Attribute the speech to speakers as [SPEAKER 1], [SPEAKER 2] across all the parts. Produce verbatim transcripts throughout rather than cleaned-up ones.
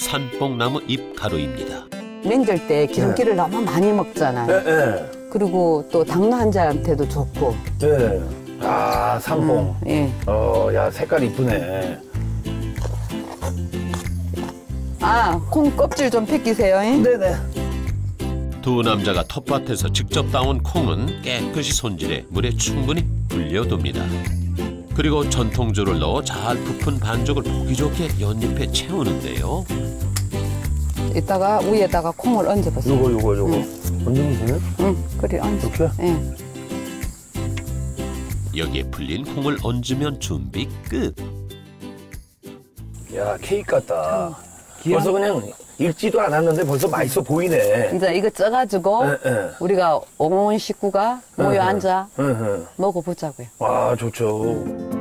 [SPEAKER 1] 산뽕나무 잎 가루입니다.
[SPEAKER 2] 명절 때 기름기를 네. 너무 많이 먹잖아요. 네, 네. 그리고 또 당뇨 환자한테도 좋고.
[SPEAKER 3] 네. 아, 산뽕.
[SPEAKER 2] 음, 예.
[SPEAKER 3] 어, 야, 색깔 이쁘네.
[SPEAKER 2] 아, 콩 껍질 좀 벗기세요. 예?
[SPEAKER 3] 네네.
[SPEAKER 1] 두 남자가 텃밭에서 직접 따온 콩은 깨끗이 손질해 물에 충분히 불려둡니다. 그리고 전통주를 넣어 잘 부푼 반죽을 보기 좋게 연잎에 채우는데요.
[SPEAKER 2] 이따가 위에다가 콩을 얹어보세요.
[SPEAKER 3] 요거 요거 요거. 응. 얹으면 되네?
[SPEAKER 2] 응, 그래 얹어.
[SPEAKER 3] 이렇게?
[SPEAKER 2] 예.
[SPEAKER 1] 여기에 불린 콩을 얹으면 준비 끝.
[SPEAKER 3] 야, 케이크 같다. 벌써 그냥 익지도 않았는데 벌써 맛있어 보이네.
[SPEAKER 2] 이제 이거 쪄가지고
[SPEAKER 3] 네, 네.
[SPEAKER 2] 우리가 온 식구가 모여
[SPEAKER 3] 네,
[SPEAKER 2] 앉아
[SPEAKER 3] 네, 네.
[SPEAKER 2] 먹어보자고요.
[SPEAKER 3] 와, 좋죠.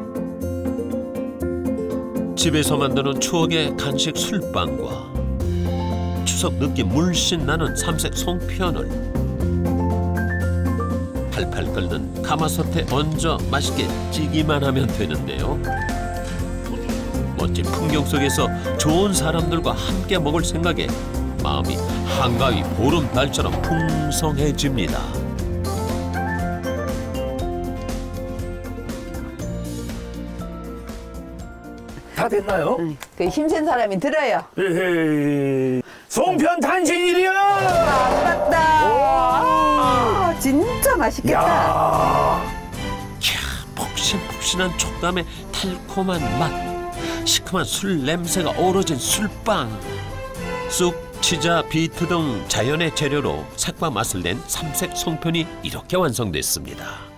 [SPEAKER 1] 집에서 만드는 추억의 간식 술빵과 추석 느낌 물씬 나는 삼색 송편을 팔팔 끓는 가마솥에 얹어 맛있게 찌기만 하면 되는데요. 멋진 풍경 속에서 좋은 사람들과 함께 먹을 생각에 마음이 한가위 보름달처럼 풍성해집니다.
[SPEAKER 3] 다 됐나요?
[SPEAKER 2] 응. 그 힘센 사람이 들어요.
[SPEAKER 3] 에헤이. 송편 탄신일이야!
[SPEAKER 2] 맞다. 아, 진짜 맛있겠다.
[SPEAKER 1] 야, 폭신폭신한 촉감에 달콤한 맛. 시큼한 술 냄새가 어우러진 술빵. 쑥, 치자, 비트 등 자연의 재료로 색과 맛을 낸 삼색 송편이 이렇게 완성됐습니다.